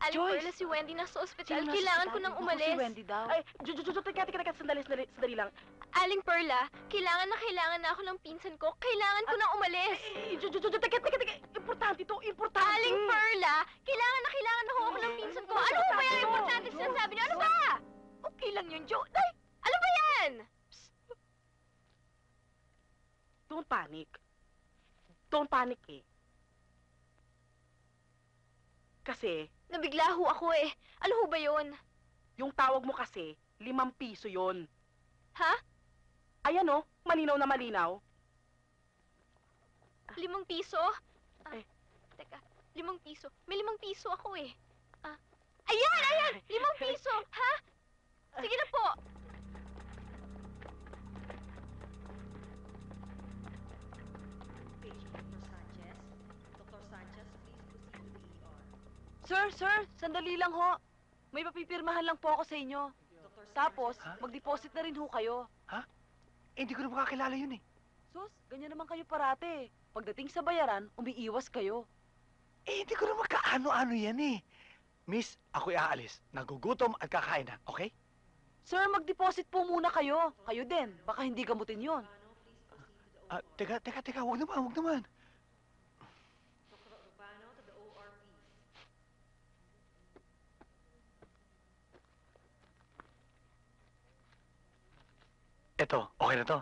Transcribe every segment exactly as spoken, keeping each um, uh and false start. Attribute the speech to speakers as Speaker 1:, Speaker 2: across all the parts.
Speaker 1: Aling
Speaker 2: Joyce!
Speaker 1: Perla, si Wendy nasa ospital.
Speaker 2: Sino nasa
Speaker 1: Kailangan ko
Speaker 2: ospital?
Speaker 1: nang
Speaker 2: Naku,
Speaker 1: umalis.
Speaker 2: si Wendy daw.
Speaker 3: Ay, Jo, Jo, Jo, teka, teka, teka, sandali, sandali, sandali lang.
Speaker 1: Aling Perla, kailangan na kailangan na ako ng pinsan ko. Kailangan ko nang umalis.
Speaker 3: Ay, Jo, Jo, Jo, teka, teka, teka, importante to, importante.
Speaker 1: Aling Perla, kailangan na kailangan na ako ng pinsan ko. Ano ba yung importante sinasabi niyo? Ano ba?
Speaker 3: Okay lang yun, Jo. Ay,
Speaker 1: Ano ba yan?
Speaker 3: don't panic. Don't panic eh. Kasi,
Speaker 1: Nabigla ho ako eh. Ano ho ba yun?
Speaker 3: yung tawag mo kasi, limang piso yon.
Speaker 1: Ha?
Speaker 3: Ayan o, malinaw na malinaw.
Speaker 1: Limang piso? Ah,
Speaker 3: Eh.
Speaker 1: Teka, limang piso. May limang piso ako eh. Ah. Ayan, ayan! Limang piso! Ha? Sige na po.
Speaker 2: Sir, sir, sandali lang ho. May papipirmahan lang po ako sa inyo. Tapos,
Speaker 4: Ha?
Speaker 2: mag-deposit na rin ho kayo.
Speaker 4: Eh, hindi ko na makakilala yun eh.
Speaker 2: Sus, ganyan naman kayo parate. Pagdating sa bayaran, umiiwas kayo.
Speaker 4: Eh, hindi ko na magkaano-ano yan eh. Miss, ako'y aalis. Nagugutom at kakain na, okay?
Speaker 2: Sir, mag-deposit po muna kayo. Kayo din. Baka hindi gamutin yon.
Speaker 4: Ah, teka, teka, teka, huwag naman, huwag naman. Eto, okay na to.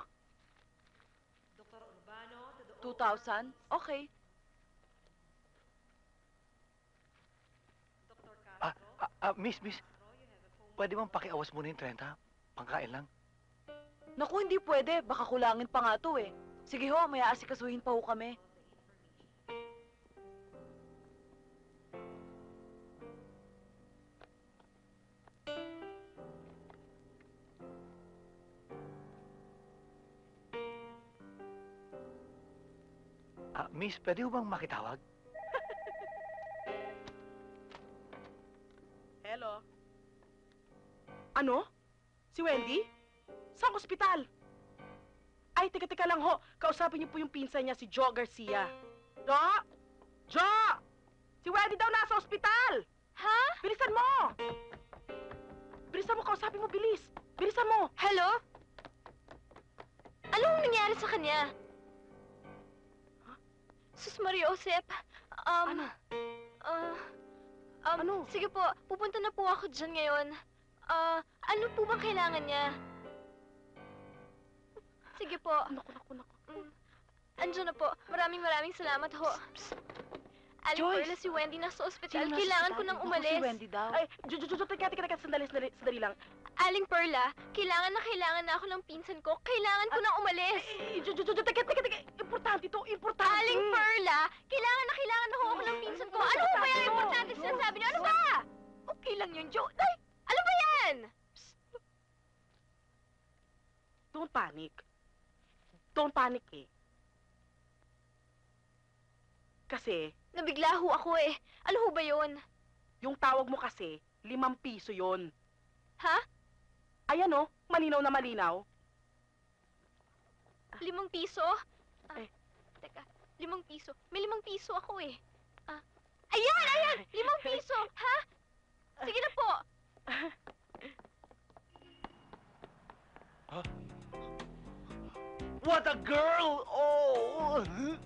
Speaker 2: two thousand? Okay.
Speaker 4: Ah, ah, ah, miss, miss. Pwede bang pakiawas muna yung trenta? Pangkain lang.
Speaker 2: Naku, hindi pwede. Baka kulangin pa nga to eh. Sige ho, may aasikasuhin pa ho kami.
Speaker 4: Ah, miss, pwede ho bang makitawag?
Speaker 3: Hello? Ano? Si Wendy? Saan ospital? Ay, teka, teka lang ho. Kausapin niyo po yung pinsan niya, si Jo Garcia. Jo? Jo! Si Wendy daw nasa ospital!
Speaker 1: Ha?
Speaker 3: Bilisan mo! Bilisan mo, kausapin mo, bilis! Bilisan mo!
Speaker 1: Hello? Anong nangyari sa kanya? Sus Maria Josep, um...
Speaker 3: Ano?
Speaker 1: ah, um,
Speaker 3: Ano?
Speaker 1: Sige po, pupunta na po ako dyan ngayon. Ah, ano po bang kailangan niya? Sige po.
Speaker 3: Naku, naku, naku.
Speaker 1: Mm. Andiyan na po. Maraming maraming salamat ho. Aling
Speaker 2: Joyce!
Speaker 1: Perla, si Wendy nasa ospital.
Speaker 2: Sino nasa
Speaker 1: Kailangan ko
Speaker 2: ospital?
Speaker 1: nang
Speaker 2: Naku,
Speaker 1: umalis.
Speaker 2: si Wendy daw.
Speaker 3: Ay, Jo, Jo, Jo, teka, teka, teka, sandali, sandali, sandali lang.
Speaker 1: Aling Perla, kailangan na kailangan na ako ng pinsan ko. Kailangan ko nang umalis.
Speaker 3: Ay, Jo, Jo, Jo, teka, teka, teka, importante to, importante!
Speaker 1: Aling Perla, kailangan na kailangan na ako ng pinsan ko. Ano ba yung importante sinasabi niyo? Ano ba?
Speaker 3: Okay lang yun, Jo. Ay,
Speaker 1: Ano ba yan?
Speaker 3: don't panic. Don't panic eh. Kasi,
Speaker 1: Nabigla ho ako eh. Ano ho ba yun?
Speaker 3: yung tawag mo kasi, limang piso yon.
Speaker 1: Ha?
Speaker 3: Ayan o, malinaw na malinaw.
Speaker 1: Limang piso? Ah,
Speaker 3: Eh.
Speaker 1: Teka, limang piso. May limang piso ako eh. Ah. Ayan, ayan! Limang piso! Ha? Sige na po.
Speaker 4: What a girl! Oh!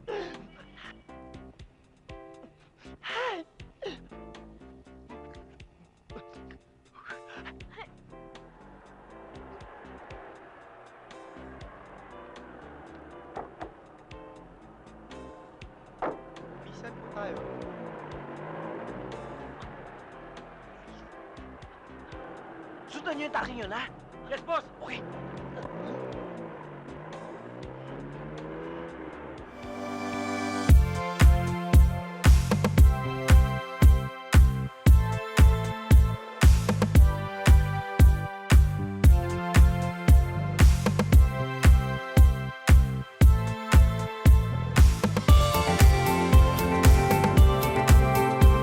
Speaker 5: Bisan po tayo.
Speaker 4: Sundan niyo yung taxi yun, ha?
Speaker 3: Yes, boss!
Speaker 4: Okay.